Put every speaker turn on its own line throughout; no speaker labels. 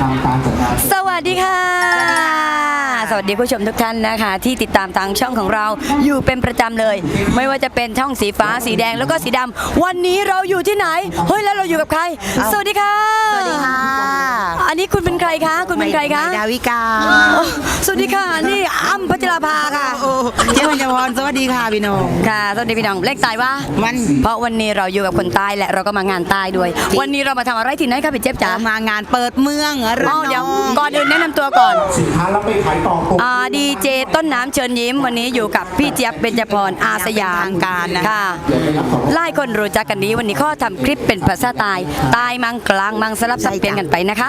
สวัสดีค่ะสวัสดีผู้ชมทุกท่านนะคะที่ติดตามทางช่องของเราอยู่เป็นประจำเลยไม่ว่าจะเป็นช่องสีฟ้าสีแดงแล้วก็สีดำวันนี้เราอยู่ที่ไหนเฮ้ยแล้วเราอยู่กับใครสวัสดีค่ะ
สวัสดีค่ะ
อันนี้คุณเป็นใครคะคุณเป็นใครคะ
ดาวิกา
สวัสดีค่ะนี่อ้ำพัชราภาค่ะ
เจ้าพญพรสวัสดีค่ะพี่น้อง
ค่ะสวัสดีพี่น้องเลขตายว่า
มัน
เพราะวันนี้เราอยู่กับคนใต้และเราก็มางานใต้ด้วยวันนี้เรามาทำอะไรที่ไหนคะพี่เจี๊ยบจ๋าม
างานเปิดเมือง
เดี๋ยวก่อนอื่นแนะนำตัวก่อน
สินค้าแล้วไปขายต่อ
ดีเจต้นน้ำเชิญยิ้มวันนี้อยู่กับพี่เจี๊ยบเบญจพรอาสยาม
ทางการนะ
ค่ะไล่คนรู้จักกันดีวันนี้ข้อทำคลิปเป็นภาษาใต้ใต้มังกลางมังสลับสับเปลี่ยนกันไปนะคะ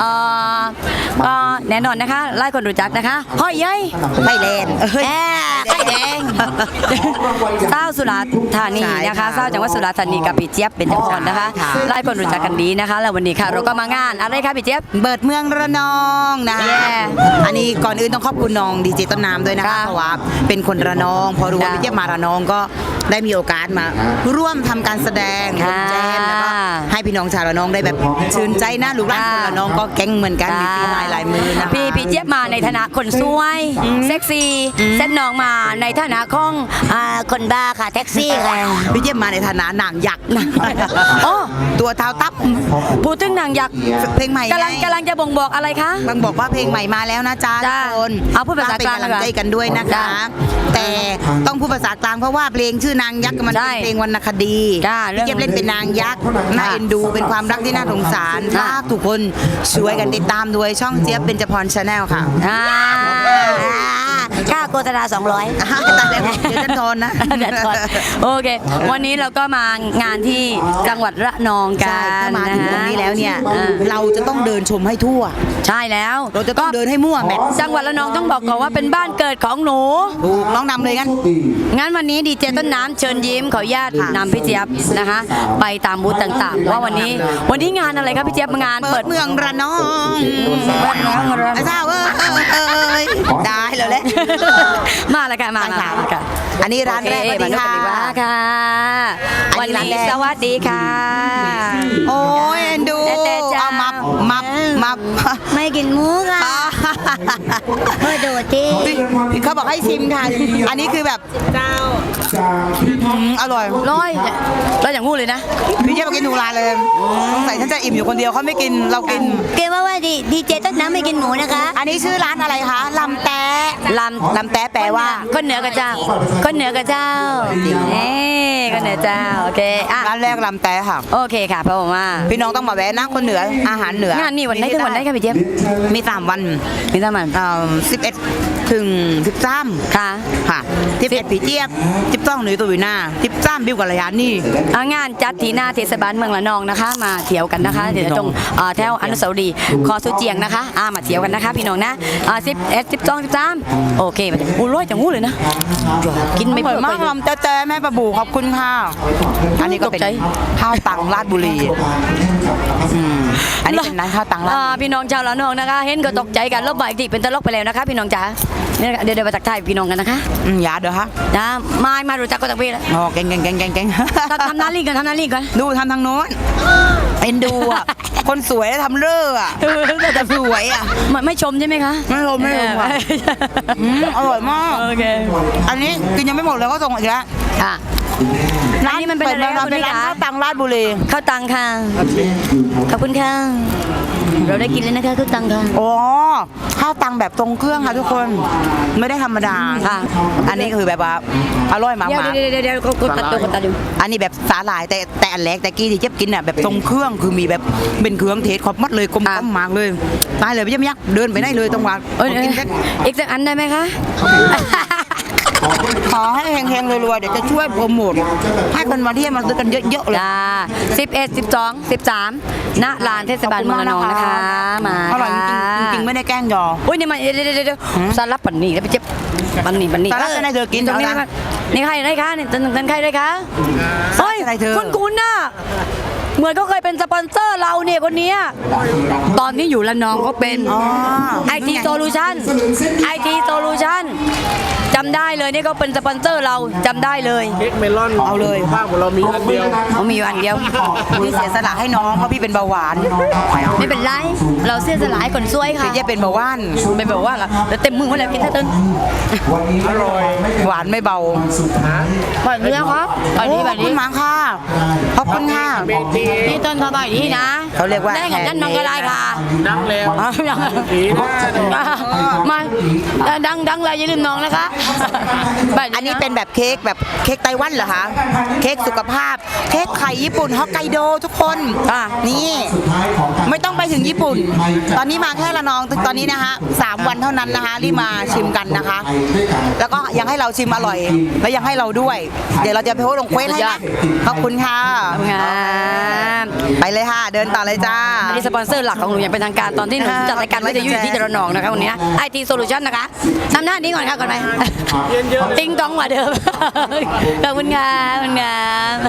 แน่นอนนะคะไล่คนรู้จักนะคะห้อยยัย
ไข่แดง
ไข่แดงเศร้าสุราษฎร์ธานีนะคะเศร้าจังหวัดสุราษฎร์ธานีกับพี่เจี๊ยบเบญจพรนะคะไล่คนรู้จักกันดีนะคะแล้ววันนี้ค่ะเราก็มางานอะไรคะพี่เจี๊ยบ
เปิดเมืองระนองนะอันนี้ก่อนอื่นต้องขอบคุณน้องดีเจต้นน้ำด้วยนะคะเพราะว่าเป็นคนระนองพอรู้ว่าพี่เจี๊ยบมาระนองก็ได้มีโอกาสมาร่วมทำการแสดงแจมแล้วก็ให้พี่น้องชาวระนองได้แบบชื่นใจนะลูกหลานคนระนองก็แก๊งเหมือนกันมีฝีไม้ลายมือนะ
พี่เจี๊ยบมาในฐานะคนสวยเซ็กซี่เส้นน้องมาในฐานะของคนบ้าค่ะแท็กซี่ค่ะ
พี่เจี๊ยบมาในฐานะนางยักษ์ตัวเท้าตับ
พูดถึงนางยักษ์
เพลงใหม่
กำลังจะบ่งบอกอะไรคะ
บางบอกว่าเพลงใหม่มาแล้วนะจ๊ะทุกคน
เอาพูดภาษากลาง
เป็นกำลังใจกันด้วยนะคะแต่ต้องพูดภาษากลางเพราะว่าเพลงชื่อนางยักษ์มันเป็นเพลงวรรณคดีพี่เจี๊ยบเล่นเป็นนางยักษ์น่าเอ็นดูเป็นความรักที่น่าสงสารฝากทุกคนช่วยกันติดตามด้วยช่องเจี๊ยบเบญจพรชาแนลค่ะ
ค่าโฆษณา200
ตัดเลยเดี๋ยวจะโดนนะ
โอเควันนี้เราก็มางานที่จังหวัดระนองกัน
มาถึงตรงนี้แล้วเนี่ยเราจะต้องเดินชมให้ทั่ว
ใช่แล้ว
เราจะต้องเดินให้มั่วแมท
จังหวัดระนองต้องบอกก่อนว่าเป็นบ้านเกิดของหนู
ถูกน้องนำเลย
งั้นวันนี้ดีเจต้นน้ำเชิญยิ้มขออนุญาตนำพี่เจี๊ยบนะคะไปตามบูธต่างๆว่าวันนี้งานอะไรครับพี่เจี๊ยบงาน
เปิดเมืองระนองไอ้เจ้าได้เลยแหละ
มาแล้วค่ะมาค่ะ
อันนี้ร้านแรกสวัสดี
ค่ะวันนี้สวัสดีค่ะ
โอ้ยดูเอามับ
ไม่กินหมูค่ะโดดที่
เขาบอกให้ชิมค่ะอันนี้คือแบบเจ้าอร่อย
แล้วอย่างงูเลยนะ
พี่เจ๊มากินหนูร้านเลยสงสัยฉันจะอิ่มอยู่คนเดียวเขาไม่กินเรากิน
เกว่าดีเจต้นน้ำไม่กินหมูนะคะ
อันนี้ชื่อร้านอะไรคะลำแตะแปลว่า
คนเหนือกับเจ้าคนเหนือกับเจ้าคนเหนือเจ้าโอเค
ร้านแรกลำแตะค่ะ
โอเคค่ะเพราะว่า
พี่น้องต้องมาแวะนะคนเหนืออาหารเหนือง
านนี่วันไหนถึงวันไหนคะพี่เจี๊ยบ
มี3 วัน11 ถึง 13ค่ะ11พี่เจี๊ยบ12หนูตัววินา13บิวกัลยานี่
งานจัดที่หน้าเทศบาลเมืองระนองนะคะมาเที่ยวกันนะคะเดี๋ยวตรงแถวอนุสาวรีย์คอสุเจียงนะคะมาเที่ยวกันนะคะพี่น้องนะ11 12 13โอเคมาอู้ร้อยจังงูเลยนะกินไม่เปิด
มากลำเจ๊แม่ประบูขอบคุณค่ะอันนี้ก็เป็นข้าวตังราชบุรีอันนี้เป็นร้านข้าวตังราช
พี่น้องชาวระนองนะคะเห็นก็ตกใจกันลบใบอีกทีเป็นตลกไปแล้วนะคะพี่น้องจ๋าเดี๋ยวมาตักทายพี่น้องกันนะคะ
อย่าเดี๋ยวฮะ
มารู้จักก็ตักพี่แล้ว
เก่ง
ทำหน้าลิงกัน
ดูทำทางโน้นเป็นดูอ่ะคนสวยทำเร่ออ่ะแต่สวยอ่ะ
ไม่ชมใช่ไหมคะ
ไม่ชมค่ะอร่อยมาก
โอเค
อันนี้กินยังไม่หมดเลยก็ส่งอีกแล้ว
ค่ะร้านนี้มันเป็นอะไรคะคุณพี่คะ
ข้าวตังราชบุรี
ข้าวตังค่ะขอบคุณค่ะเราได้กินเลยนะคะข้าวตังค่ะ
โอ้ข้าวตังแบบทรงเครื่องค่ะทุกคนไม่ได้ธรรมดา
ค่ะ
อันนี้คือแบบว่าอร่อยมาก
เดี๋ยวกดตัดดู
อันนี้แบบสาหร่ายแต่อันแรกแต่กี้ที่เจ็บกินอ่ะแบบทรงเครื่องคือมีแบบเป็นเครื่องเทศครบมัดเลยกลมมากเลยตายเลยพี่ยักษ์เดินไปได้เลยตรงวัน
กินอีกสักอันได้ไหมคะ
ขอให้แข็งๆรวยๆเดี๋ยวจะช่วยโปรโมทให้คนมาเที่ยวมาซื้อกันเยอะๆเลย
11 12 13ณลานเทศบาลเมืองระนองนะคะมา
อร่อยจริงๆไม่ได้แกล้งยอ
อุ้ยนี่มันเดี๋ยวสลับปันนี่แล้วไปเจ็บปันนี่
สลับจะได้เธอกินตรงนี้
นี่ใครได้คะนี่ตันใครได้คะเฮ้ยคุณน่ะเหมือนเขาเคยเป็นสปอนเซอร์เราเนี่ยคนเนี้ยตอนนี้อยู่ละนองเขาเป็น IT Solution IT Solution จำได้เลยนี่เขาเป็นสปอนเซอร์เราจำได้เลย
เค้กเมลอน
เอาเลย
ภาพของเรามีอันเดียว
เขามีอยู่อันเดียว
พี่เสียสละให้น้องเพราะพี่เป็นเบาหวาน
ไม่เป็นไรเราเสียสละให้คนซวยค่ะ
พี่จะเป็นเบาหวาน
ไม่บอกว่าแล้วเต็มมือหมดแล้วกินท่าเต้น
อร่อย
หวานไม่เบา
แบบนี้ครับแบบนี้แบบ
ขอบคุ
นี้
ณมากค่ะขอบคุณค่ะ
พี่ต้นทำแบบนี้นะ
เขาเรียกว่า
ได้ของนั่นน้องก็ได้ค่ะ
นักแล้ว
อ่ะยัง
ผีหน้าโดน
มาดังเลยอย่าลืมน้องนะคะแบบ
อันนี้เป็นแบบเค้กไต้หวันเหรอคะเค้กสุขภาพ เค้กไข่ญี่ปุ่นฮอกไกโดทุกคน นี่ไม่ต้องไปถึงญี่ปุ่น ตอนนี้มาแค่ละนองตอนนี้นะคะ3 วันเท่านั้นนะคะรีบมาชิมกันนะคะ แล้วก็ยังให้เราชิมอร่อย และยังให้เราด้วย เดี๋ยวเราจะไปโพสต์ลงเควสให้นะขอบคุณค่ะ
งาม
ไปเลยค่ะ เดินต่อเลยจ้า
อันนี้สปอนเซอร์หลักของหนูอย่างเป็นทางการตอนที่หนูจัดรายการวิทยุอยู่ที่จระนองนะคะวันนี้ IT Solution นะคะทำหน้านี้ก่อนค่ะก่อนไหมติ้งต้องกว่าเดิมขอบคุณค่ะขอบคุณค่ะ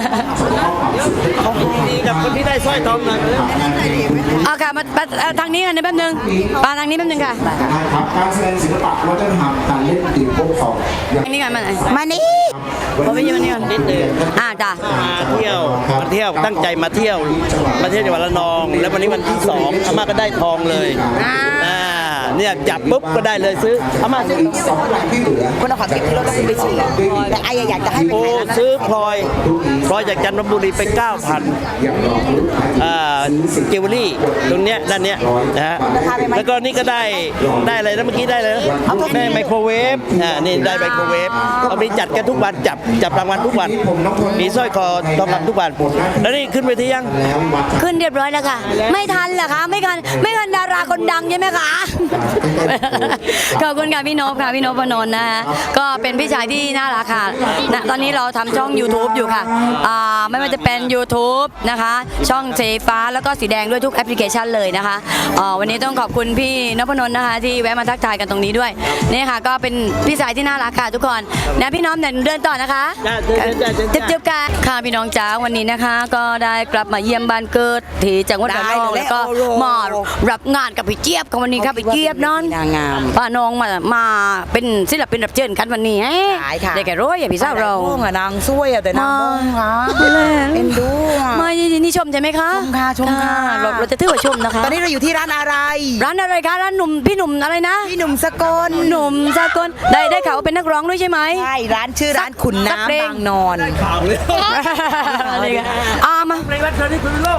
ดีกับคนที่ได้สร้อยทองหน่อย
เอาค่ะมาทางนี้กันแป๊บนึงมาทางนี้แป๊บนึงค่ะ
ครับการแสดงศิลปะวัฒนธรรมการเล่นตีโป๊กสองอย่าง
ทางนี้กันมาไหน
มานี่
ผมไปยืนนี่ก่อนนิดนึงจ้ะ
มาเที่ยวตั้งใจมาเที่ยวจังหวัดระนอง แล้ววันนี้วันที่2อาม่าก็ได้ทองเลยเนี่ยจับปุ๊บก็ได้เลยซื้ออาม่าซื้อ
สองหลังที่เหลือ
คุณเอาของเก็บที่รถแล้วคุณไปฉี่แต่ไอ้อยากจะให้ไป
โอ้
ขายร้าน
ซื้อพลอยจากจันทบุรีไป 9,000
อย่างรอลุ้นขาย
เจวเวลรี่ตรงเนี้ยด้านเนี้ยนะฮะแล้วก็นี่ก็ได้อะไรนะเมื่อกี้ได้เลยนะได้ไมโครเวฟนี่ได้ไมโครเวฟเอาไปจัดกันทุกวันจับรางวัลทุกวันมีสร้อยคอทองคำทุกวันแล้วนี่ขึ้นไปที่ยัง
แล้ววัด
ขึ้นเรียบร้อยแล้วค่ะ ไม่ทันเหรอคะไม่ทันดาราคนดังใช่ไหมคะขอบคุณค่ะพี่นพค่ะพี่นพพนนท์นะคะก็เป็นพี่ชายที่น่ารักค่ะนะตอนนี้เราทำช่อง YouTube อยู่ค่ะไม่ว่าจะเป็น YouTube นะคะ ช่องสีฟ้าแล้วก็สีแดงด้วยทุกแอปพลิเคชันเลยนะคะวันนี้ต้องขอบคุณพี่นพพนนท์นะคะที่แวะมาทักทายกันตรงนี้ด้วยนี่ค่ะก็เป็นพี่ชายที่น่ารักค่ะทุกคนนะพี่น้องเดินต่อนะคะจุ๊บๆกันค่ะพี่น้องจ๋าวันนี้นะคะ ก็ได้กลับมาเยี่ยมบ้านเกิดที่จังหวัดระนองแล้วก็มารับงานกับพี่เจี๊ยบกันวันนี้ครับพี่เจี๊ยบนอน
นางงาม
ป้าน้องมาเป็นศิลปินรับเชิญกันวันนี้
ขายค่ะ
ได้แก่ร้อยอย่าพี่สาวเรา
นางนางช่วยอะแต่นางบ้องค่ะเอ็นดูอะ
ไม่นี่ชมใช่ไหมคะ
ชมค่ะชมค่ะ
เราจะถือว่าชมนะคะ
ตอนนี้เราอยู่ที่ร้านอะไร
ร้านอะไรคะร้านพี่หนุ่มอะไรนะ
พี่หนุ่มสกล
หนุ่มสากลได้ข่าวว่าเป็นนักร้องด้วยใช่ไหม
ใช่ร้านชื่อร้านขุน
สักเพล
น้ำ
ง
บางนอน
อะไรกันมา
ในวันเกิดที่คุณโลก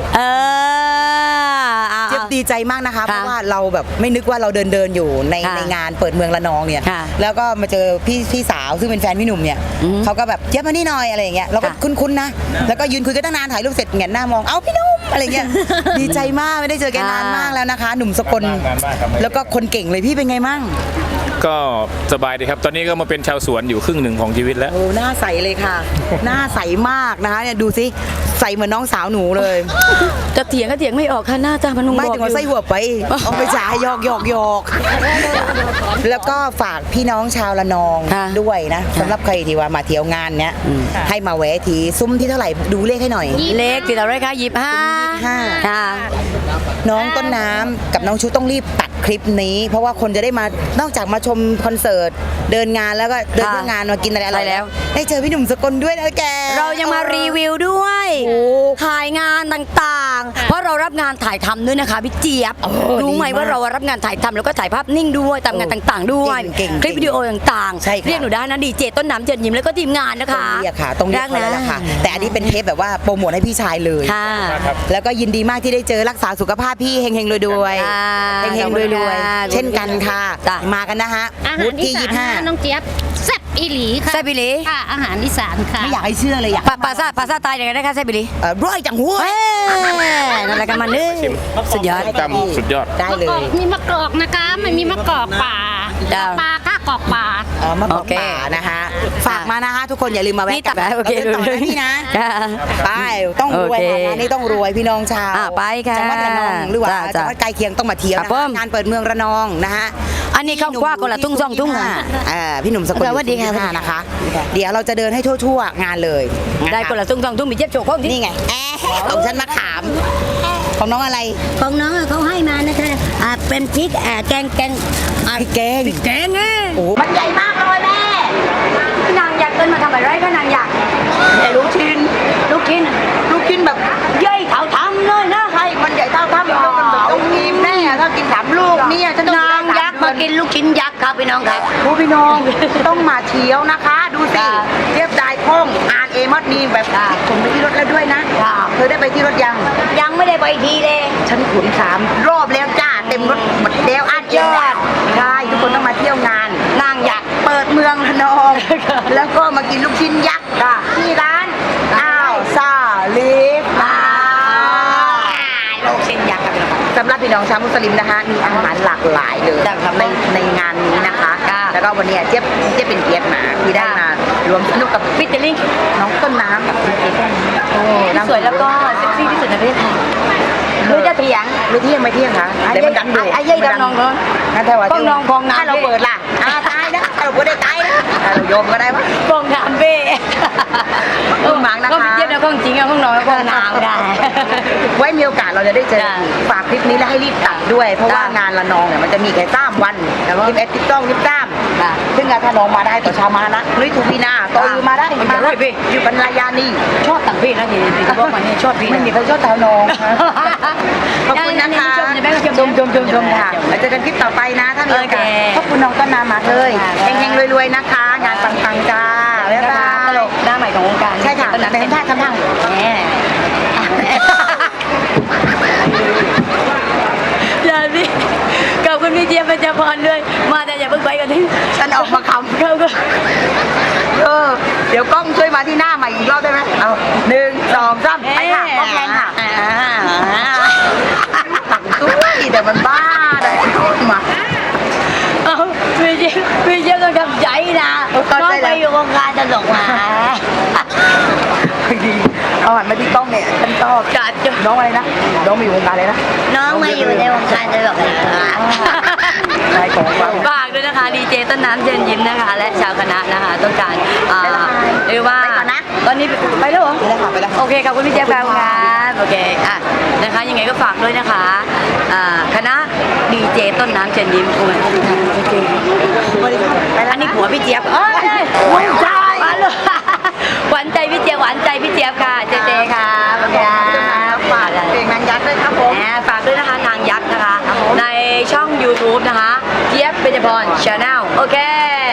เจี๊ยบดีใจมากนะคะ เพ
ค่ะ
ราะว่าเราแบบไม่นึกว่าเราเดินอยู่ใน
ค่ะ
ในงานเปิดเมืองระนองเนี่ย
ค่ะ
แล้วก็มาเจอพี่สาวซึ่งเป็นแฟนพี่หนุ่มเนี่ย
อือฮึ
เขาก็แบบเจี๊ยบมานี่หน่อยอะไรอย่างเงี้ยเราก็
ค่ะ
คุ้นๆนะแล้วก็ยืนคุยกันตั้งนานถ่ายรูปเสร็จแงนหน้ามองเอ้าพี่หนุ่มอะไรเงี้ย ดีใจมากไม่ได้เจอแกนานมากแล้วนะคะ หนุ่มสกลแล้วก็คนเก่งเลยพี่เป็นไงมั่ง
ก็สบายดีครับ ตอนนี้ก็มาเป็นชาวสวนอยู่ครึ่งหนึ่งของชีวิตแล้ว
โอ้หน้าใสเลยค่ะ หน้าใสมากนะคะเนี่ยดูสิใสเหมือนน้องสาวหนูเลย
จะเถียงก็เถียงไม่ออกค่ะหน้าตามันนุ่ม
ไม่ถึงว่าไส้หัวไปเอาไปจ่ายหยอกแล้วก็ฝากพี่น้องชาวละนองด้วยนะสำหรับใครที่ว่ามาเที่ยวงานเนี้ยให้มาแวะทีซุ้มที่เท่าไหร่ดูเลขให้หน่อย
เล็กติดอะไรคะ25
25
ค่ะ
น้องต้นน้ำกับน้องชุต้องรีบตัดคลิปนี้ เพราะว่าคนจะได้มานอกจากมาชมคอนเสิร์ตเดินงานแล้วก็เดินเพื่องานมากินอะไรอร่อย
ใช่แล้ว
ได้เจอพี่หนุ่มสกลด้วยนะแก
เรายังมารีวิวด้วย
โอ้
ถ่ายงานต่างๆ เพราะเรารับงานถ่ายทำด้วยนะคะพี่เจี๊ยบรู้ไหม
ดีมาก
ว่าเรารับงานถ่ายทำแล้วก็ถ่ายภาพนิ่งด้วยตามงานต่างๆ ด้วย
เก่ง
คลิปวิดีโอต่าง
ใช่ค่ะ
เรียกหนูได้นะดีเจต้นน้ำเจิดยิ้มแล้วก็ทีมงานนะคะ
ต้องเรียกค่ะต้องเรียกเขาแล้วล่ะค่ะ แต่อันนี้เป็นเทปแบบว่าโปรโมทให้พี่ชายเลย
ค่ะ
แล้วก็ยินดีมากที่ได้เจอรักษาสุขภาพพี่เฮงๆรวย
ค่ะ
ๆเฮงๆรวย
ค่ะ
ๆเช่นกันค่ะ
จ้ะ
มากันนะฮะ
อา
วุ
หาร
ฒิ
อี
ที่
สานนะน้องเจี๊ยบแซ่บอีหลีค่ะ
แซ่บอีหลี
ค่ะอาหารอีสานค่ะ
ไม่อยากให้เชื่อเลยอยาก
ภาษาใต้ยังไงนะคะแซ่บอีหลี
ร้อยจังหัว
เอ้ยนั่นแหละกันมันเลยสุดยอด
จำสุดยอด
ได้เล
มะกอย กมีมะกอกนะคะไม่มีมะกอกป่า
จ้ะ
ป่าคักกอกป่า
มาบ
โอ
อก
เค
ป่านะคะฝากมานะคะ ทุกคนอย่าลืมมาแวะ
นี่ตัดโอเค
ราดินต่อนะพี่นะ
ค่ะ
ไปต้องรวย
โอเค
ค่ะงานนี้ต้องรวยพี่น้องชาว
ไปค่ะ
จังหวัดระนองหรือว่า
จ้ะ
จังหวัดใกล้เคียงต้องมาเที่ยว
ครับ
นะ
ผ
คะ
ม
งานเปิดเมืองระนองนะคะ
อันนี้เขาคว้าคนละทุ่งสองทุ่งค่ะ
พี่หนุ่มสกล
สวัสดีค่ะ
อยู่ที่นะคะ เดี๋ยวเราจะเดินให้ทั่วๆงานเลยะะ
ได้คนละทุ่งสองทุ่งมีเจ็บโชว์ของที่
นี่ไงของฉันมะขาม ของน้องอะไร
ของน้องเขาให้มานะคะเป็นพริกแกง
พริกแกง
แกงไง
โอ้มันใหญ่มากเลยแม่
นางอยากเกินมาทำอะไรก็นางอยาก
ลูกชิ้น
ลูกชิ้น
ลูกชิ้นแบบ
เย้ยเขาทำเลยนะ
ใช่มันใหญ่เท่าถ้ำมันต้องกินแน่ถ้ากิน3 ลูกเนี่ยฉันต้อง
นางยักษ์มากินลูกชิ้นยักษ์ครับพี่น้องครับ
ผู้พี่น้องต้องมาเที่ยวนะคะ ดูสิ
ค่ะ
เรียบได้คล่องอ่านเอมอดมีแบบ
ค่ะ
ขนไปที่รถแล้วด้วยนะ
ค่ะ
เธอได้ไปที่รถยัง
ยังไม่ได้ไปทีเลย
ฉันขน3 รอบแล้วจ้าเต็มรถหมดแล้วอ่านเอง
ยอด
ใช่ทุกคนต้องมาเที่ยวงาน
นางยักษ์
เปิดเมืองระนอง แล้วก็มากินลูกชิ้นยักษ์ที่ร้านอ้าวซาลิฟลูกชิ้นยักษ์ครับสำหรับพี่น้องชาวมุสลิมนะคะมีอาหารหลากหลายเลยในงานนี้นะคะ แล้วก็วันนี้เจี๊ยบเป็นเกียรติมาที่ได้มารวมสนุกกับ
ฟิตเตอร์ลิง
น้องต้นน้ำกับคุณเก๋โอ้
สวยแล้วก็เซ็กซี่ที่สุดในประเทศไทยรู้จะเถียง
ไม่เที่ยงค่ะ
ไอ้
เดี๋ยวมันดังดู
ไอ้ยัยดำนองเลย
งั้นแต่ว่า
พองน้องพองน้ำ
ถ้าเราเปิดล่ะตายนะเราก็ได้ตายนะเราโยมก็ได้ปะ
ฟองน้ำเบ้
คุณหมังนะคะ
ก็ไม่เทียบนะของจริงอะของน้องฟองน้ำได้
ไว้มีโอกาสเราจะได้เจอ
จ้ะ
ฝากคลิปนี้แล้วให้รีบตัดด้วย เพราะว่า
จ้ะ
งานละนองเนี่ยมันจะมีแค่3 วันแต่ว่า11 12
จ้ะ
13ซึ่งถ้าน้องมาได้ต่อเชาวมานะลุยทูปีนาต่ออยู่มาได้
มันจะรวยพี่
อยู่บรรยานี
ชอบต่างพี่นะที่บอกมาเนี่ยชอบพี่
ไม่มีใครชอบชาวน้องขอบคุณนะคะ
ชม
ค่ะแล้วเจอกันคลิปต่อไปนะถ้ามีโอกาส
โอเค
ขอบคุณน้องต้นน้ำมากเลย
ค่ะ
เฮงๆรวยๆนะคะ งานปังๆจ้าบ๊ายบา
ตล
ย
กหน้าใหม่ของวงการ
ใช่ค่ะ
ตอนนั้น
เป็นท่าทำทาง
แหมอย่าสิขอบคุณพี่เจี๊ยบประจพรด้วยมาแต่อย่าเพิ่งไปกันที่
ฉันออกมาคำ
เขาก็
เดี๋ยวกล้องช่วยมาที่หน้าใหม่อีกรอบได้ไหมเอา1 2 3ไปค่ะกล้องแรงค่ะตักด้วยแต่มันบ้าเลยมา
เอาพี่เจี๊ยบต้องทำใจนะน้องไปอยู่วงการตลกมา
ดีเอาหันมาที่กล้องเนี่ยฉันชอบ
จัดจน
น้องอะไรนะน้องมาอยู่วงการเลยนะ
น้องมาอยู่ในวงการตลกเลยค่ะ
นายของฟัง
ฝากด้วยนะคะดีเจต้นน้ำเชิญยิ้มนะคะ และชาวคณะนะคะต้องการเรียกว่า
ไปก่อนนะ
ตอนนี้ไปแล้วเหรอ
ไปแล้วค่ะไปแล้วค่ะ
โอเคขอบคุณพี่เจี๊ยบครับโอเคอ่ะนะคะยังไงก็ฝากด้วยนะคะคณะดีเจต้นน้ำเชิญยิ้มโอ้ยอันนี้ผัวพี่เจี๊ยบเอ้ยหวานใจหวานใจพี่เจี๊ยบหวานใจพี่เจี๊ยบค่ะเจเจค่ะโอเคฝาก
เพลงนางยักษ์ด้วยครับผม
ฝากด้วยนะคะนางยักษ์นะคะ ในช่อง YouTube นะคะเจี๊ยบเบญจพรชาแนลโอเค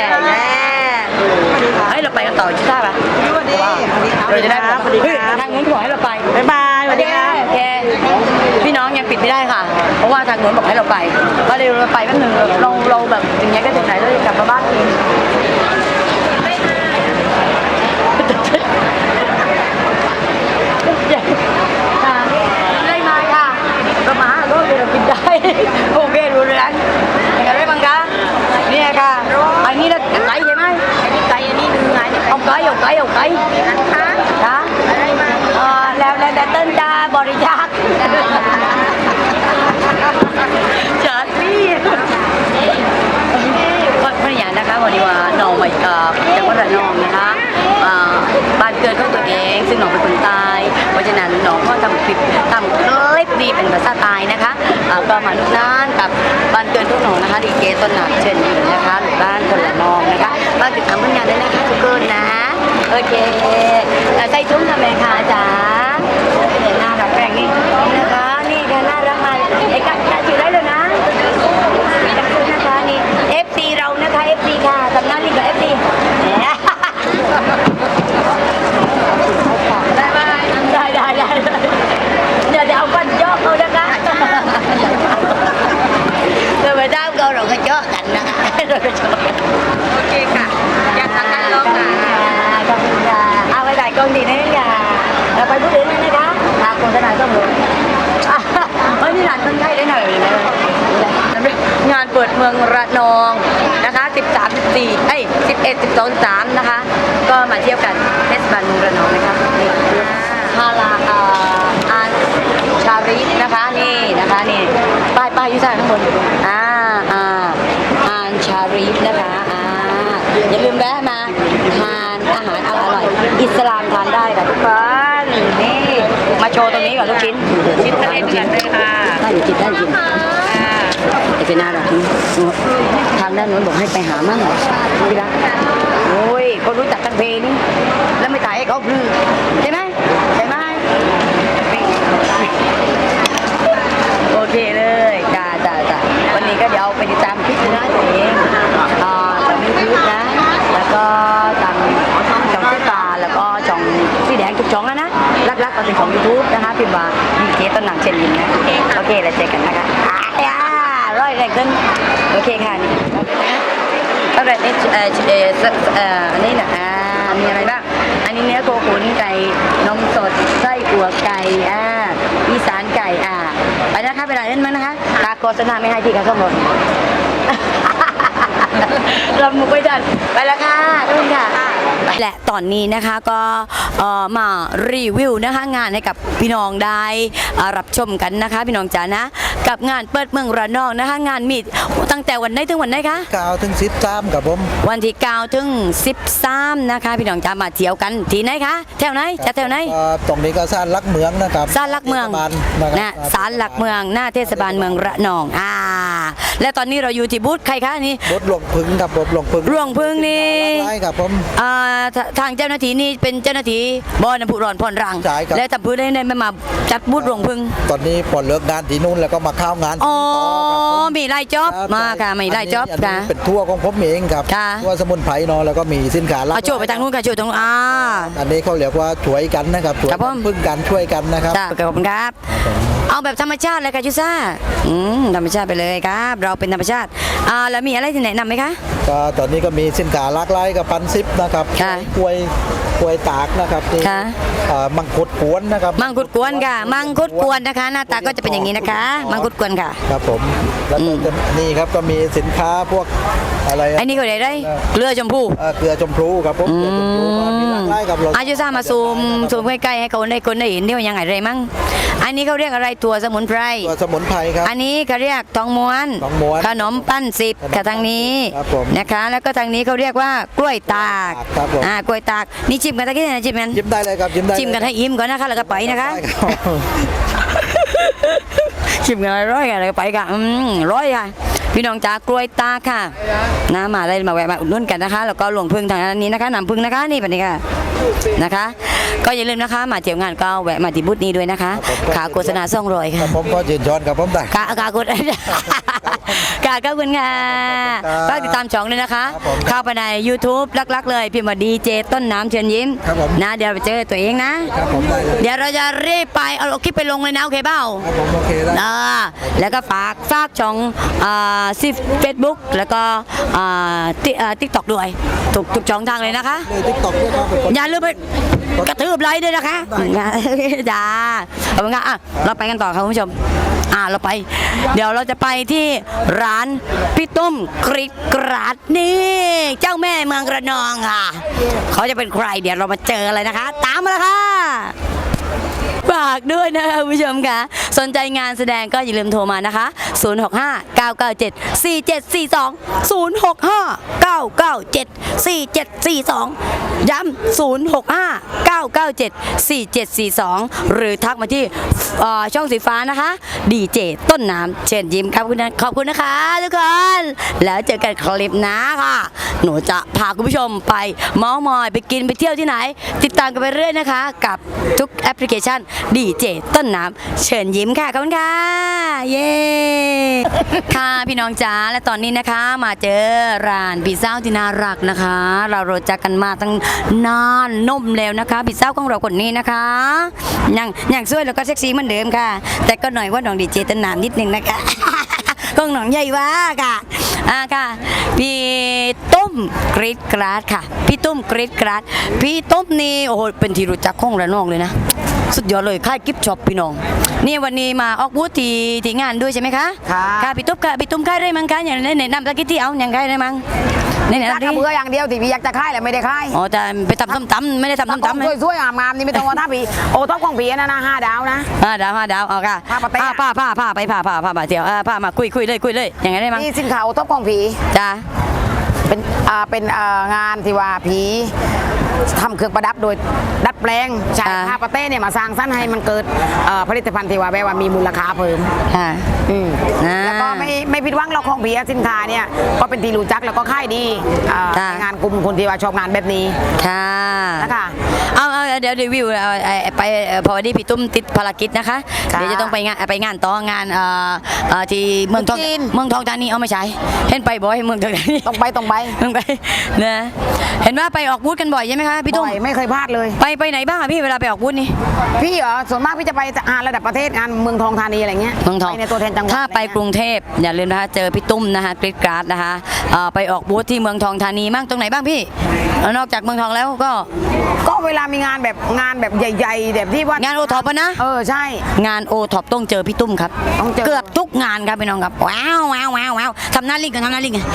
เฮ้ยเราไปกันต่อใช่ป่ะ
สวัสดีครับ
เราจะได้
สวัสดี
เฮ้ย
ครับ
ทางนู้นขอให้เราไป
บ๊ายบายสวัสดีครับ
โอเคพี่น้องยังปิดไม่ได้ค่ะ เพราะว่าทางนู้นบอกให้เราไปก็เลยเราไปแป๊บนึงเราแบบอย่างเงี้ยก็ถึงไหนเราจะกลับมาบ้านเองได้ไหมค่ะก็มาก็เรากินได้โอเครู้เรื่องยังไงได้บ้างคะเนี่ยค่ะอันนี้เราไก่ใช่ไหมอันนี้ไก่อันนี้เนื้อเอาไก่นะคะค่ะแล้วเต้นจะบริจาคเฉิดพี่ภรรยานะคะวันนี้ว่าน้องมาจากวัดระนองนะคะบ้านเกิดของตัวเองซึ่งน้องเป็นคนใต้เพราะฉะนั้นน้องก็ทำคลิปดีเป็นภาษาใต้นะคะก็มาลุกน้านกับบ้านเกิดทุกน้องนะคะดีเจต้นหนักเชิญยิ้มนะคะหรือบ้านคนละนองนะคะมาติดตามผลงานได้นะคะทุกคนนะโอเคใส่ทุ่งทำไมคะจ๊ะเดี๋ยวหน้ารักแปลงนี่นะคะนี่ค่ะน่ารักมากไอ้กัดถือได้เลยนะขอบคุณนะคะนี่ FC เรานะคะ FC ค่ะสำนักนี่กับ FC ได้เดี๋ยวเอาฟันย่อเขานะคะเดี๋ยวไปด้ามเราก็ย่อกันนะคะโอเคค่ะอยากทำกันลองค่ะขอบคุณค่ะเอาไปถ่ายกล้องดีนะเนี่ยเราไปพูดถึงนั่นนะคะทางโฆษณาต้องรู้เฮ้ยนี่ร้านคนไทยได้หน่อยเลยนะงานเปิดปิดเมืองระนองนะคะ13 1411 12 13นะคะก็มาเที่ยวกันเทศบาลเมืองระนองนะคะนี่ฮาลาอันชาริฟนะคะนี่นะคะนี่ป้ายอยู่ข้างบนอันชาริฟนะคะอย่าลืมแวะมาทานอาหารอร่อยๆอิสลามทานได้ค่ะทุกคนนี่มาโชว์ตรงนี้ก่อนลูกชิ้นทะเลเดือดเลยค่ะได้อยู่กินไอ้เป็นน่ารักทางด้านโน้นบอกให้ไปหามั่งพี่รักโอ้ยคนรู้จักกันเพลงนี่แล้วไม่ถ่ายให้เขาพลือใช่ไหมโอเคเลยจ้าวันนี้ก็เดี๋ยวไปติดตามคลิปนะตัวเองจากยูทูบนะแล้วก็ทางช่องเสื้อตาแล้วก็ช่องสีแดงทุกช่องนะรักก็เป็นของ YouTube นะคะพิมพ์ว่าดีเจต้นหนังเช่นยินนะโอเคแล้วเจอกันนะคะร้อยแรงขึ้นโอเคค่ะนี่ตั้งแต่นี้อันนี้นะมีอะไรบ้างอันนี้เนื้อโคขุนไก่นมสดไส้อั่วไก่อีสานไก่ไปนะคะไปไหนเล่นมั้งนะคะตาโฆษณาไม่ให้ที่ค่ะส้มหมดรำมุกไม่ทันไปแล้วค่ะทุกคนค่ะและตอนนี้นะคะก็มารีวิวนะคะงานให้กับพี่น้องได้รับชมกันนะคะพี่น้องจ๋านะกับงานเปิดเมืองระนองนะคะงานมีตั้งแต่วันไหนถึงวันไหนคะ
9 ถึง 13ครับผม
วันที่9 ถึง 13นะคะพี่น้องจ๋ามาเที่ยวกันที่ไหนคะแถวไหนจะแถวไหน
ตรงนี้ก็ศาลหลักเมืองนะครับ
ศาลหลักเมืองนะศาลหลักเมืองหน้าเทศบาลเมืองระนองและตอนนี้เราอยู่ที่บูธใครคะนี่
บูธหลวงพึ่งครับผมหลวงพึ่ง
นี่
ใช่ครับผม
ทางเจ้าหน้าที่นี่เป็นเจ้าหน้าที่บ่อน้ำพุร้อนผ่อนรังและทำพื้นได้มาจัดบูธหลวงพึ่ง
ตอนนี้พอเลิกงานที่นู่นแล้วก็มาเข้างาน
อ๋อมีไล่จ็อบมาค่ะมีไล่จ็อบค่ะ
เป็นทัวร์ของผมเองครับทัวร์สมุนไพรเนาะแล้วก็มีสินค้า
โชว์ไปทางนู้นค่ะโชว์ตรง
อันนี้เขาเรียกว่าช่วยกันนะครับช่วยพึ่งกันช่วยกันนะครับ
ขอบคุณครับเอาแบบธรรมชาติเลยค่ะชูซ่าธรรมชาติไปเลยครับเราเป็นธรรมชาติแล้วมีอะไรที่แนะนำไหมคะ
ก็ตอนนี้ก็มีสินค้าหลากหลายกับปันซิปนะครับกล้วยตากนะครับที่มังคุดกวนนะครับ
มังคุดกวนค่ะมังคุดกวนนะคะหน้าตาก็จะเป็นอย่างนี้นะคะมังคุดกวนค่ะ
ครับผมแล้วนี่ครับก็มีสินค้าพวกอะไร
ไอ้นี่ก็ได้เกลือชมพู
ครับผมเกลือชมพูมีหลากหลายครับ
อายุซ่ามาซูมใกล้ๆให้คนได้เห็นนี่ว่ายังไงไรมั่งอันนี้เขาเรียกอะไรตัวสมุนไพร
ครับ
อันนี้เขาเรียกทองม้วนขนมปั้น10ค่ะทางนี้นะคะแล้วก็ทางนี้เขาเรียกว่ากล้วยตากกล้วยตากนี่ชิมกันตะกี้นะชิม
ได้เลยครับ
ชิมกันให้อิ่มก่อนนะคะแล้วก็ไปนะคะชิมกันร้อยกันแล้วก็ไปกันร้อยค่ะพี่น้องจ๋ากล้วยตากค่ะนะมาได้มาแวะมาอุดหนุนกันนะคะแล้วก็หลวงพึ่งทางนี้นะคะน้ำพึ่งนะคะนี่แบบนี้ค่ะนะคะก็อย่าลืมนะคะมาเที่ยวงานก็แวะมาที่บูธนี้ด้วยนะคะขาโฆษณา200ค่ะ
ผมก็ยืนย้อนกับผมได้
ขาโฆษณาขอบคุณค่ะก็ติดตามช่องเลยนะคะเข้าไปใน YouTube ลักๆเลยพิมพ์ว่าดีเจต้นน้ำเชิญยิ้มนะเดี๋ยวไปเจอตัวเองนะเดี๋ยวเราจะรีบไปเอาคลิปไปลงเลยนะโอเคเปล่า
โอเคได้
แล้วก็ฝากช่องเฟซบุ๊กแล้วก็ติ๊กต็อกด้วยทุกช่องทางเลยนะคะอย่าลืมไปกระทืบไลค์ด้วยนะคะจ้าขอบคุณค่ะเราไปกันต่อครับคุณผู้ชมเราไปเดี๋ยวเราจะไปที่ร้านพี่ตุ้มกริดกราดนี่เจ้าแม่เมืองระนองค่ะเขาจะเป็นใครเดี๋ยวเรามาเจอเลยนะคะตามมาเลยค่ะฝากด้วยนะคะคุณผู้ชมค่ะสนใจงานแสดงก็อย่าลืมโทรมานะคะ065-997-4742 ย้ำ065-997-4742 หรือทักมาที่ช่องสีฟ้านะคะดีเจต้นน้ำเชิญยิ้มครับขอบคุณนะคะทุกคนแล้วเจอกันคลิปหน้าค่ะหนูจะพาคุณผู้ชมไปเมาท์มอยไปกินไปเที่ยวที่ไหนติดตามกันไปเรื่อยนะคะกับทุกแอปพลิเคชันดีเจต้นน้ำเชิญยิ้มค่ะขอบคุณค่ะเย้ค่ะพี่น้องจ๋าและตอนนี้นะคะมาเจอร้านพี่สาวที่น่ารักนะคะเรารู้จักกันมาตั้งนานนุ่มแล้วนะคะพี่สาวของเราคนนี้นะคะยังสวยแล้วก็เซ็กซี่เหมือนเดิมค่ะแต่ก็หน่อยว่าน้องดีเจต้นน้ำนิดนึงนะคะของน้องใหญ่ว่าค่ะค่ะพี่ตุ้มกรีดกราดค่ะพี่ตุ้มกรีดกราดพี่ตุ้มนี่โอ้โหเป็นที่รู้จักของระนองเลยนะสุดยอดเลยค่ายกิฟต์ช็อปพี่น้องนี่วันนี้มาออกบูธที่งานด้วยใช่ไหมคะ
ค่ะ
ค่ะพี่ตุ๊กค่ะพี่ตุ้มค่ายได้มั้งคะอย่างในนำตะกี้ที่เอาอย่างค่ายได้มั้งในไหน
ถ้า
ที่
กระเบืออย่างเดียวที่พี่อยากจะค่ายแหละไม่ได้ค่าย
อ๋อแต่ไปทำส้มตำไม่ได้ทำส้มตำไหม
สวยๆงามๆนี่ไม่ต้องว่าถ้าพี่โอ้ท็อปของพี่นะ5 ดาวนะ
5 ดาวเอาค่ะ
ผ้าปะเต้
ผ้าไปผ้าเดี๋ยวผ้ามาคุยเลยอย่างไงได้มั้ง
นี่สินค้าโอท็อปของพี่
จ้า
เป็นงานที่ว่าผีทำเครื่องประดับโดยดัดแปลงใช้ผ้าปะเต้เนี่ยมาสร้างสรรค์ให้มันเกิดผลิตภัณฑ์ที่ว่าแบบว่ามีมูลค่าเพิ่ม
ค่ะ
แล้วก็ไม่ผิดหวังเราของผีสินค้าเนี่ยก็เป็นที่รู้จักแล้วก็ค่ายดีในงานกลุ่มคนที่ว่าชอบงานแบบนี้
ค่ะ
นะคะ
เอาเดี๋ยวรีวิวไปพอดีพี่ตุ้มติดภารกิจนะคะ
ค่ะ
เดี๋ยวจะต้องไปงานต่องานที่เมืองทอง
จีน
เมืองทองธานีเอาไม่ใช่เห็นไปบ่อยเมืองทองธานี
ต้องไป
ต้องไปนะเห็นว่าไปออกบูธกันบ่อยใช่ไหมคะพี่ตุ้ม
บ่อยไม่เคยพลาดเลย
ไปไหนบ้างอะพี่เวลาไปออกบูธนี่
พี่เหรอส่วนมากพี่จะไปงานระดับประเทศงานเมืองทองธานีอะไรเงี้ย
เมืองทอง
ไปในตัวแทนจังหวัด
ถ้าไป
อะรเงี้ย
กรุงเทพอย่าลืมนะคะเจอพี่ตุ้มนะคะกริดกราดนะคะไปออกบูธที่เมืองทองธานีมั่งตรงไหนบ้างพี่นอกจากเมืองทองแล้วก็
ก็เวลามีงานแบบใหญ่ๆแบบที่ว่าง
านโอท็อปนะ
ใช่
งานโอท็อปต้องเจอพี่ตุ้มครับ
ต้องเจอ
เกือบทุกงานครับพี่น้องครับว้าวทำหน้าลิงกัน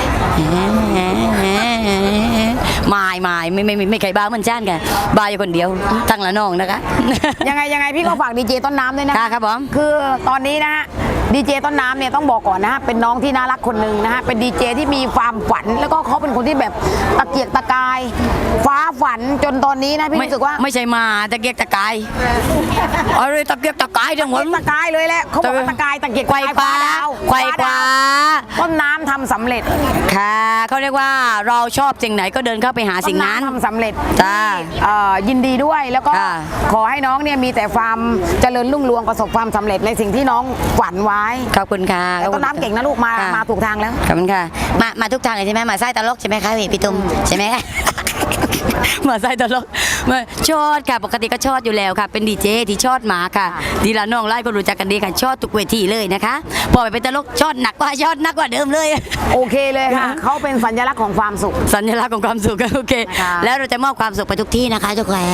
ไม่ใครบ้าเหมือนจ้านกันบ้าอยู่คนเดียวทั้งละน้องนะคะ
ยังไงพี่ก็ฝากดีเจต้นน้ำด้วยนะ
ครับผม
คือตอนนี้นะฮะดีเจต้นน้ำเนี่ยต้องบอกก่อนนะฮะเป็นน้องที่น่ารักคนหนึ่งนะฮะเป็นดีเจที่มีความฝันแล้วก็เขาเป็นคนที่แบบตะเกียกตะกาย ฟ้าฝันจนตอนนี้นะพี่รู้สึกว่า
ไม่ใช่มาตะเกียกตะกายอะไรตะเกียกตะกายจังหวะ
ตะกายเลยแหละเขาบอกว่าตะกายตะเกียก
ไขว่คว้า
ดาว
ไขว่คว้า
ต้นน้ำทำสำเร็จ
ค่ะเขาเรียกว่าเราชอบสิ่งไหนก็เดินเข้าไปหาสิ่งนั้น
ต้ำทำสำเร็จ
จ้า
ยินดีด้วยแล้วก็
ค่ะ
ขอให้น้องเนี่ยมีแต่ความเจริญรุ่งเรืองประสบความสำเร็จในสิ่งที่น้องฝันไว้
ขอบคุณค่ะ
แต่ต้นน้ำเก่งนะลูกมา
ค่ะ
มาถูกทางแล้ว
ขอบคุณค่ะมาทุกทางเลยใช่ไหมมาไส้ตลกใช่ไหมคะพี่ตุ้มใช่ไหม มาไส้ตลกมาชอดค่ะปกติก็ชอดอยู่แล้วค่ะ เป็นดีเจที่ชอดหมาค่ะดีละน้องไล่ก็รู้จักกันดีค่ะชอดทุกเวทีเลยนะคะพอไปเป็นตลกชอดหนักกว่าเดิมเลย
โอเคเลยค่ะ เขาเป็นสัญลักษณ์ของความสุข
สัญลักษณ์ของความสุขโอเค
ค่ะ
แล้วเราจะมอบความสุขไปทุกที่นะคะทุกคน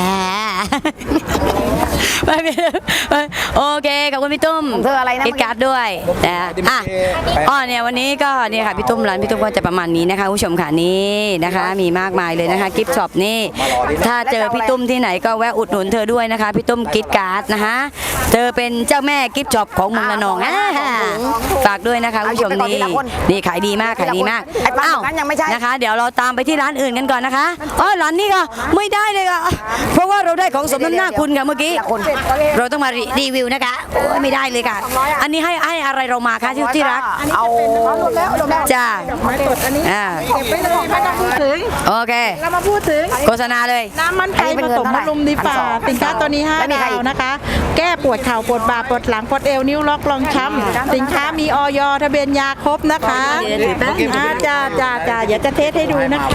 โอเคขอบคุณพี่ตุ้ม
ของเธออะไรนะ
กิดการ์ดด้วยนะเนี่ยวันนี้ก็เนี่ยค่ะพี่ตุ้มร้านพี่ตุ้มก็จะประมาณนี้นะคะผู้ชมค่ะนี่นะคะ มีมากมายเลยนะคะกิฟต์ช็อปนี่ถ้าเจอพี่ตุ้มที่ไหนก็แวะอุดหนุนเธอด้วยนะคะพี่ตุ้มกิดการ์ดนะคะเธอเป็นเจ้าแม่กิฟต์ช็อปของเมืองระนองฝากด้วยนะคะผู้ชมนี่ขายดีมาก
ไอ้ปลานั้นยังไม่ใช่
นะคะ เดี๋ยวเราตามไปที่ร้านอื่นกันก่อนนะคะร้านนี้ก็ไม่ได้เลยค่ะเพราะว่าเราได้ของสมน้ำหน้าคุณค่ะเมื่อกี้เราต้องมารีวิวนะคะโอ้ยไม่ได้เลยค่ะ อันนี้ให้อะไรเรามาคะที่รัก
เอา
จ้าโอเค
เรามาพูดถึง
โฆษณาเลย
น้ำมันไก่ผสมมะรุมดีฝ่าสินค้าตัวนี้5 ดาวนะคะ แก้ปวดเข่าปวดบ่าปวดหลังปวดเอวนิ้วล็อกรองช้ำสินค้ามีออยทะเบียนยาครบนะคะจ้าอย่าจะเทสให้ดูนะคะ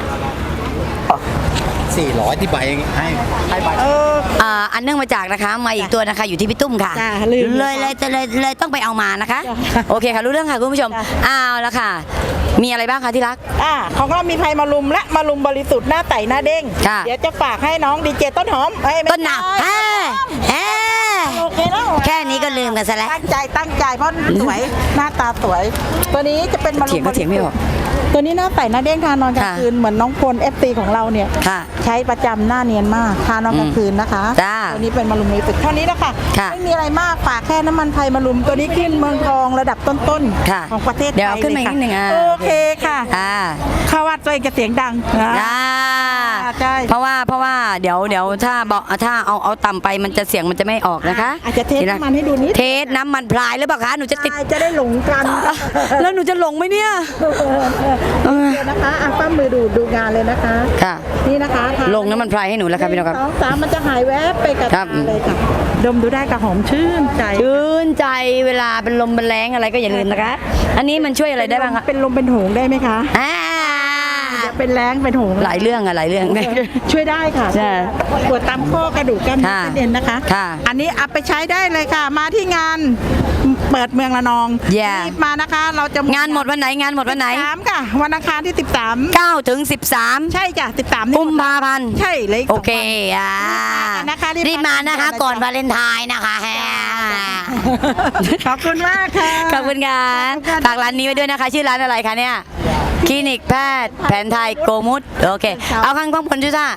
400ที่ใบให้ใบ
อันเนื่องมาจากนะคะมาอีกตัวนะคะอยู่ที่พี่ตุ้มค่ะ
จ้าลืม
เลยต้องไปเอามานะคะ โอเคค่ะรู้เรื่องค่ะคุณผู้ชมเอาละค่ะ มีอะไรบ้างคะที่รัก
ของเรามีไพมารุมและมารุมบริสุทธิ์หน้าไต่หน้าเด้ง
ค่ะ
เดี๋ยวจะฝากให้น้องดีเจต้นหอมไม่
ต้นหนาว
ใช่โอเคแล้ว
แค่นี้ก็ลืมกันซะแล้ว
ตั้งใจเพราะสวยหน้าตาสวย ตัวนี้จะเป็นมารุม
เถียงไม่ออก
ตัวนี้หน้าไต่หน้าเด้งทานอนกลาง
ค่ะ
คืนเหมือนน้องพล FT ของเราเนี่ย
ค่ะ
ใช้ประจำหน้าเนียนมากทานอนกลางคืนนะคะ
จ้า
ตัวนี้เป็นมารุมบริสุทธิ์เท่านี้นะคะ
ค่ะ
ไม่มีอะไรมากฝากแค่น้ำมันไพรมารุมตัวนี้ขึ้นเมืองทองระดับต้น
ค่ะ
ๆของประเทศไทย
เดี๋ยวเอาขึ้นมาอีกนิดนึง
โอเคค่ะ ข้าว่าตัวเองจะเสียงดัง ใช่
เพราะว่าเดี๋ยวถ้าเอาต่ำไปมันจะเสียงมันจะไม่ออกนะคะ
อาจจะเทสน้ำมันให้ดูนิด
เทสน้ำมันพลายหรือเปล่าคะหนูจะติด
จะได้หลงกัน
แล้วหนูจะหลงไหมเนี่ย
เดี๋ยวนะคะป้ามือดูงานเลยนะคะ
ค่ะ
นี่นะคะทา
ลงน้ำมันพลายให้หนูแล้วครับพี่น้องครับ
1 2 3มันจะหายแวบไปกับ
ครับ
ตาเลยค่ะดมดูได้กับหอมชื่นใจ
ชื่นใจเวลาเป็นลมเป็นแรงอะไรก็อย่าลืมนะคะ อันนี้มันช่วยอะไรได้บ้างคะ
เป็นลมเป็นโหงได้ไหมคะ
อ่า
จะเป็นแรงเป็นโหง
หลายเรื่องอะหลายเรื่อง
ช่วยได้ค่ะ
ใช่
ปวดตามข้อกระดูกกล้ามเนื้อ
ค่ะ
เส้นเอ็นนะคะ
ค่ะ
อันนี้เอาไปใช้ได้เลยค่ะ มาที่งานเปิดเมืองระนอง
Yeah
รีบมานะคะ เราจะ
งานหมดวันไหนงานหมดวันไหน
13ค่ะวันอังคารที่ 13
9 ถึง 13
ใช่จ้ะ13นี่
กุมภาพันธ์
ใช่เลย
โอเครีบมานะคะก่อนวาเลนไทน์นะคะแฮ
ขอบคุณมากค่ะ
ขอบคุณค่ะฝากร้านนี้ไว้ด้วยนะคะ ชื่อร้านอะไรคะเนี่ยคลินิกแพทย์แผนไทยโกมุตโอเค เอาข้างกล้องผลจุซ่า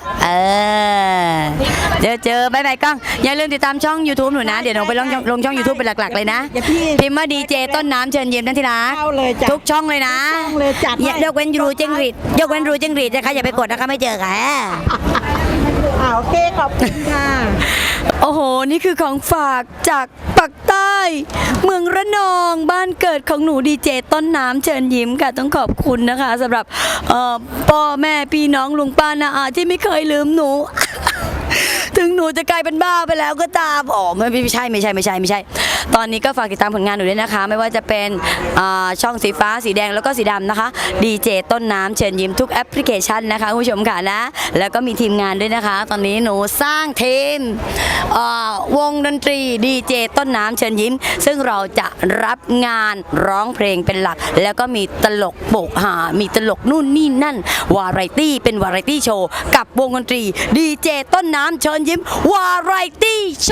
เจอบายบายกล้อง อย่าลืมติดตามช่อง YouTube หนูนะ เดี๋ยวหนูไปลงช่อง YouTube เป็นหลักๆเลยนะ พิมพ์ว่าดีเจต้นน้ำเชิญยิ้มนั่นทีละ
เอาเลยจ้ะ
ทุกช่องเลยนะ
ทุกช่องเลยจัดให้
ยกเว้นรูจิงหรีดยกเว้นรูจิงหรีดนะคะอย่าไปกดนะคะไม่เจอค่ะ
โอเคขอบคุณค่ะ
โอ้โห นี่คือของฝากจากปักใต้ เมืองระนอง บ้านเกิดของหนูดีเจต้นน้ำเชิญยิ้มค่ะ ต้องขอบคุณนะคะสำหรับพ่อแม่พี่น้องลุงป้าน้าอาที่ไม่เคยลืมหนู ถึงหนูจะกลายเป็นบ้าไปแล้วก็ตามไม่ใช่ ตอนนี้ก็ฝากติดตามผลงานหนูด้วยนะคะ ไม่ว่าจะเป็นช่องสีฟ้าสีแดงแล้วก็สีดำนะคะดีเจต้นน้ำเชิญยิ้มทุกแอปพลิเคชันนะคะคุณผู้ชมค่ะนะแล้วก็มีทีมงานด้วยนะคะ ตอนนี้หนูสร้างทีมวงดนตรีดีเจต้นน้ำเชิญยิ้ม ซึ่งเราจะรับงานร้องเพลงเป็นหลัก แล้วก็มีตลกโปกหามีตลกนู่นนี่นั่นวาไรตี้เป็นวาไรตี้โชว์กับวงดนตรีดีเจต้นน้ำเชิญยิ้มวาไรตี้โช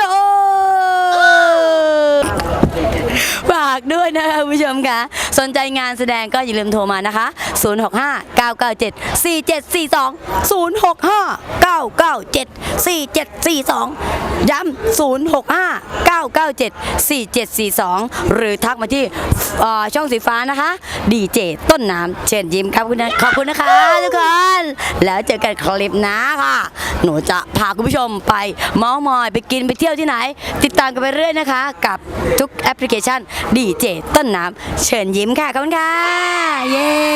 ว์ฝากด้วยนะคะคุณผู้ชมค่ะสนใจงานแสดงก็อย่าลืมโทรมานะคะ 065-997-4742 ย้ำ 065-997-4742 หรือทักมาที่ช่องสีฟ้านะคะดีเจต้นน้ำเชิญยิ้มครับขอบคุณนะคะทุกคนแล้วเจอกันคลิปหน้าค่ะหนูจะพาคุณผู้ชมไปเมาส์มอยไปกินไปเที่ยวที่ไหน ติดตามกันไปเรื่อยนะคะกับทุกแอปพลิเคชันดีเจต้นน้ำเชิญยิ้มค่ะขอบคุณค่ะเย้